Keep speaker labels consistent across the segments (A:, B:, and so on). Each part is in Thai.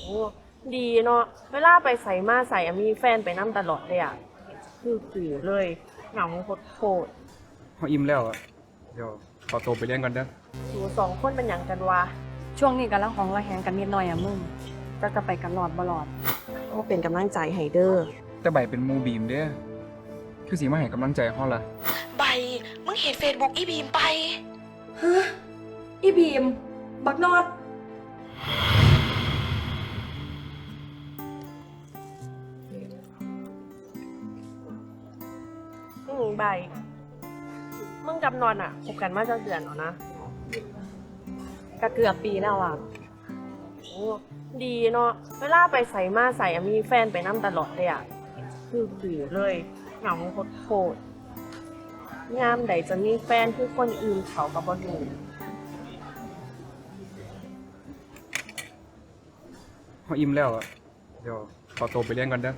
A: ดีเนาะเวลาไปใส่มาใส่มีแฟนไปนั่ตลอดเลยอ่ะคือกูเลยเหงาโคตร
B: เขาอิ่มแล้วอะเดี๋ยวขอตัวไปเลี้ยงก่อนเด้อ
A: สูสองคนเป็นอย่างกันวะ
C: ช่วงนี้กำลังของระแหงกันนิดหน่อยอะมึงจะไปกันหลอดบ่หลอด
A: ก็เป็นกำลังใจให้เด้อ
B: แต่ใบเป็นหมูบีมเด้อคือสิมาให้กำลังใจเฮาล่ะ
D: ใบมึงเห็นเฟซบุ๊กอีบีมไป
C: ฮะอีบีมบักนอด
A: ใบมึงกับนอนอ่ะคบกันมาจะเดือนแล้วนะ
C: ก็เกือบปีแล้วอ่ะ
A: ดีเนาะเวลาไปใส่มาใส่มีแฟนไปนั่ตลอดเลยอ่ะคือกูเลยเหงาโคตรงามใดจะมีแฟนคือคนอื่นเขากับบ่ดู
B: เขาอิ่มแล้วอะเดี๋ยวขอตัวไปเลี้ยงก่อนเด้อ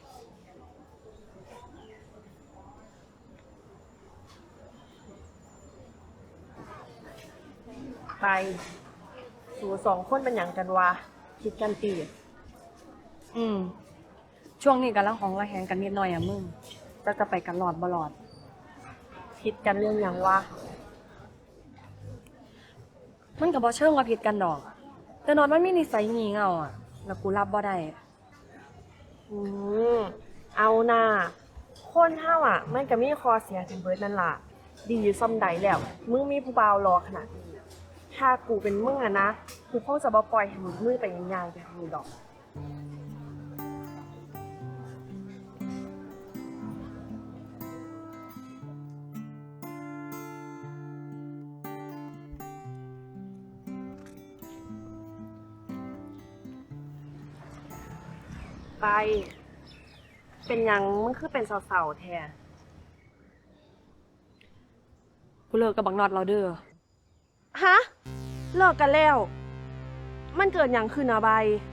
A: ไปสูสองคนเป็นอย่างกันวะคิดกันตี
C: ช่วงนี้กำลังของระแหงกันนิดหน่อยอะมึงจะไปกันหลอดบ่หลอด
A: คิดกันเรื่องอย่างวะ
C: มันก็บ่เชิงว่าผิดกันดอกแต่นอนมันมีนิสัยงี่เง่าอ่ะแล้วกูรับบ่ได้
A: อืมเอาหน้าคนเฮาอ่ะมันก็มีคอเสียถึงเบิดนั่นล่ะดีอยู่ซ่อมใดแล้วมึงมีผู้บ่าวรอขนาดนี้ถ้ากูเป็นมึงอะนะกูคงจะบ่ปล่อยให้มึงมือไปย่างๆแบบนี้ดอกไปเป็นหยังมึงคือเป็นเสาๆแท้
C: กูเลิกกับบักนอดเราเด้อ
A: ฮะเลิกกันแล้วมันเกิดหยังขึ้นอะใบ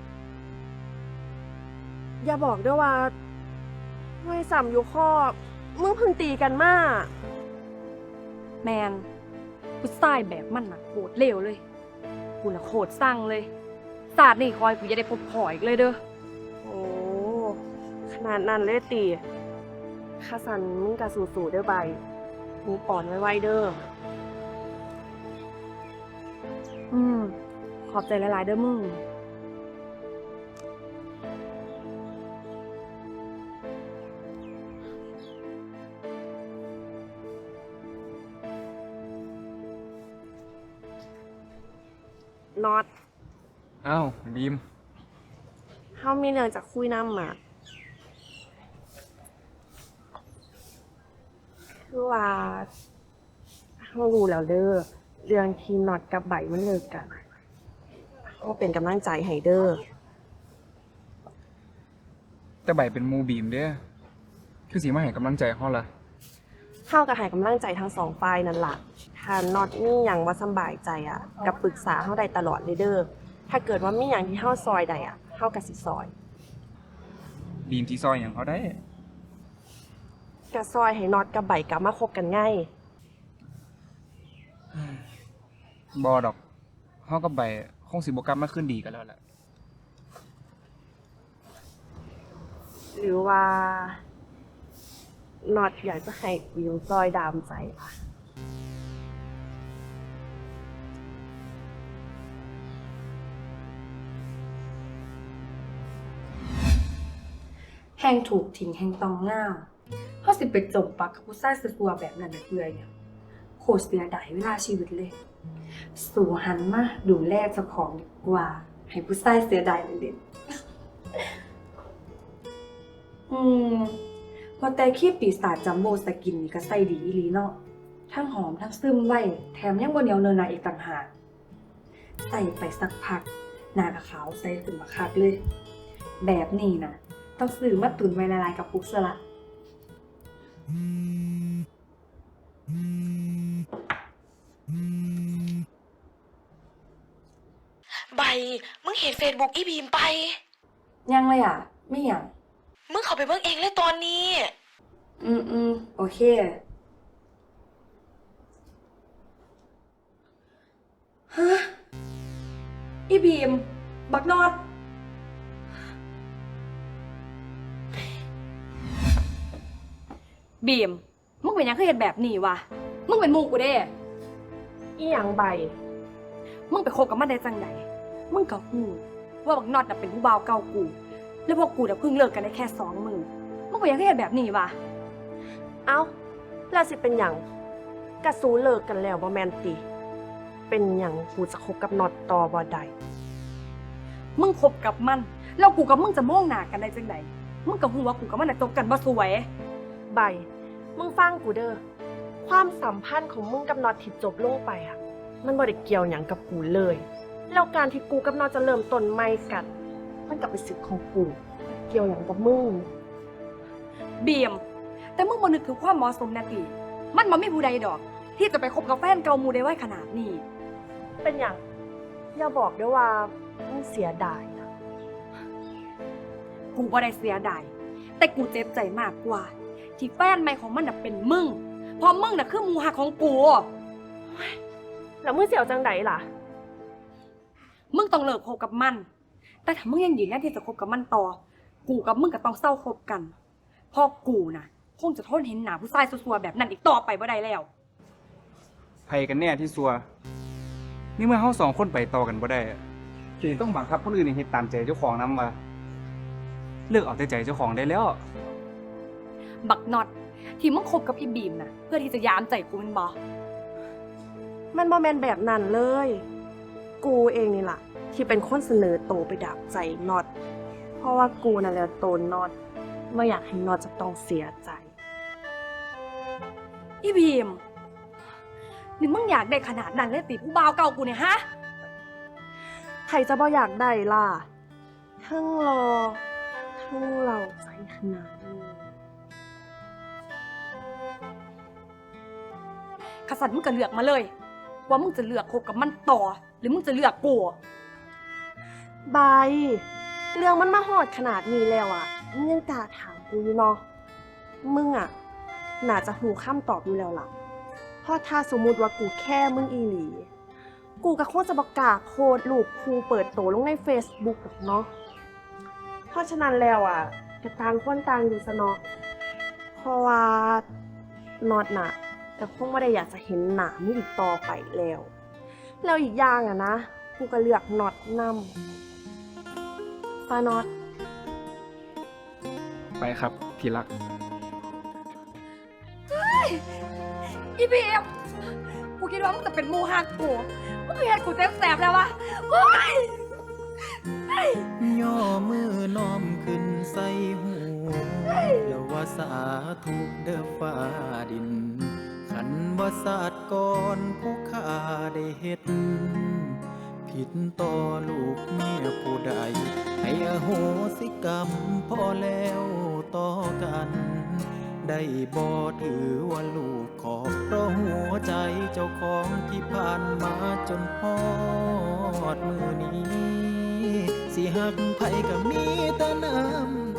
A: อย่าบอกด้วยว่าไม่สามอยู่ข้อมึงเพิ่งตีกันมา
C: แมนกูสายแบบมันน่ะโคตรเลวเลยกูน่ะโคตรสั่งเลยศาสตร์นี่คอยกูจะได้พบพออีกเลยเด้อ
A: โอ้ขนาดนั้นเลยตีข้าสันมึงกะสู่ๆเด้อใบมึงปอนไว้เด้อ
C: ขอบใจหลายๆเด้อมึง
A: น็อต
B: อ้าวบีม
A: เฮามีเรื่องจะคุยนำอ่ะคือว่าเฮารู้แล้วเด้อเรื่องที่น็อตกับใบมันเลิกกันเฮาเป็นกำลังใจให้เด้อ
B: แต่ใบเป็นหมูบีมเด้อคือสิมาให้กำลังใจเฮาล่ะ
A: เฮาก็ให้กำลังใจทั้งสองฝ่ายนั่นล่ะถ้าน็อตมีหยังบ่สำบายใจอ่ะก็ปรึกษาเฮาได้ตลอดเลยเด้อถ้าเกิดว่ามีหยังที่เฮาซอยได้อ่ะเฮาก็สิซอย
B: บีมที่ซอยหยังเขาได้
A: ก็ซอยให้น็อตกับใบกลับมาคบกันง่าย
B: บ่ดอกเฮากับใบคงสิบ่กลับมาคืนดีกันแล้วแหละ
A: หรือว่าน็อตอยากจะให้วิวซอยดามใจล่ะ
C: แห่งถูกทิ้งแห่งตองง่าเฮาสิไปจมปักกับผู้ชายซัวๆแบบนั้นน่ะเพื่อหยังโคตรเสียดายเวลาชีวิตเลยสู่หันมาดูแลเจ้าของดีกว่าให้ผู้ชายเสียดายเด่นว่าแต่ขี้ปีศาจจัมโบ้สกินนี่ก็ใส่ดีอีหลีเนาะทั้งหอมทั้งซึมไว้แถมยังบ่เหนียวเนินหนาอีกต่างหากใส่ไปสักพักหน้าก็ขาวใสขึ้นมาคักเลยแบบนี้นะต้องซื้อมาตุนไว้ละลายกับปุ๊กซะละ
D: ใบมึงเห็นเฟซบุ๊กอีบีมไป
C: ยังเลยอ่ะไม่ยัง
D: มึงเข้าไปเบิ่งเองเลยตอนนี้
C: โอเคฮะอีบีมบักนอดบีมมึงเป็นหยังคือเฮ็ดแบบนี้วะมึงเป็นหมู่กูเด้
A: อีหยังใบ
C: มึงไปคบกับมันได้จังไดมึงก็ฮู้ว่าบักน็อตน่ะเป็นผู้บ่าวเก่ากู แล้วพวกกูน่ะเพิ่งเลิกกันได้แค่2 มื้อมึงเป็นหยังคือเฮ็ดแบบนี้วะ
A: เอ้าแล้วสิเป็นหยังกะสูเลิกกันแล้วบ่แม่นติ เป็นหยังกูจะคบกับน็อตต่อบ่ได้
C: มึงคบกับมันแล้วกูกับมึงจะมองหน้ากันได้จังไดมึงก็ฮู้ว่ากูกับมันน่ะจบกันบ่สวย
A: ใบ มึงฟังกูเด้อ ความสัมพันธ์ของมึงกับน็อตที่จบลงไปอะมันบ่ได้เกี่ยวหยังกับกูเลย แล้วการที่กูกับน็อตจะเริ่มต้นใหม่กัน มันก็เป็นสิทธิ์ของกู เกี่ยวหยังกับมึง
C: บีมแต่มึงบ่นึกถึงความเหมาะสมแน่ติมันบ่มีผู้ใดดอก ที่จะไปคบกับแฟนเก่าหมู่ได้ไวขนาดนี้
A: เป็นหยังอย่าบอกด้วยว่ามึงเสียดายนะ
C: กูบ่ได้เสียดายแต่กูเจ็บใจมากกว่า ที่แฟนใหม่ของมันน่ะเป็นมึงเพราะมึงน่ะคือหมู่หักของกู
A: แล้วมึงเสียวจังไดล่ะ
C: มึงต้องเลิกคบกับมัน แต่ถ้ามึงยังยืนยันที่จะคบกับมันต่อ กูกับมึงก็ต้องเศร้าคบกันเพราะกูน่ะคงจะทนเห็นหน้าผู้ชายซัวๆแบบนั้นอีกต่อไปบ่ได้แล้ว
B: ไผกันแน่ที่ซัวนี่เมื่อเฮาสองคนไปต่อกันบ่ได้อะจึงต้องบังคับคนอื่นให้เฮ็ดตามใจเจ้าของนำว่าเลิกเอาแต่ใจเจ้าของได้แล้ว
C: บักน็อตที่มึงคบกับอีบีมน่ะเพื่อที่จะยามใจกูแมันบ่
A: มันบ่แม่นแบบนั้นเลย กูเองนี่ล่ะ ที่เป็นคนเสนอโตไปดับใจน็อต เพราะว่ากูนั่นแหละโตน็อตไม่อยากให้น็อตจะต้องเสียใจ
C: อีบีมนี่มึงอยากได้ขนาดนั้นเลยติผู้บ่าวเก่ากูเนี่ยฮะ
A: ใครจะบ่อยากได้ล่ะ ทั้งรอ ทั้งเราใจขนาดนี้
C: ขสันมึงก็เลือกมาเลย ว่ามึงจะเลือกคบกับมันต่อ หรือมึงจะเลือกกู
A: ใบ เรื่องมันมาหอดขนาดนี้แล้วอ่ะมึงยังกล้าถามกูอยู่เนาะ มึงอ่ะ น่าจะหูคำตอบอยู่แล้วล่ะ เพราะถ้าสมมุติว่ากูแค่มึงอีหลี กูก็คงจะประกล้าศโคดรูปครูเปิดโตลงใน Facebook หรอกเนาะ เพราะฉะนั้นแล้วอ่ะก็ต่างคนต่างอยู่ซะเนาะ เพราะว่าน็อตน่ะแต่คงไม่ได้อยากจะเห็นหนามึงอีกต่อไปแล้ว แล้วอีกอย่างอ่ะนะ กูก็เลือกน็อตนำป้าน็อต
B: ไปครับที่รัก
C: อีบีมกูคิดว่ามึงจะเป็นหมูหักกู มึงเห็นกูเจ็บแสบแล้ววะโอ๊ย
E: ย่อมือน้อมขึ้นใส่หูอย่าว่าสาธุเด้อฟ้าดิน ขันว่าศาสตร์ก่อนผู้ข้าได้เฮ็ด ผิดต่อลูกเมียผู้ใด ให้อโหสิกรรมพอแล้วต่อกัน ได้บ่ถือว่าลูกขอบเพราะหัวใจเจ้าของที่ผ่านมาจนฮอดมือนี้ สิหักไผก็มีแต่น้ำ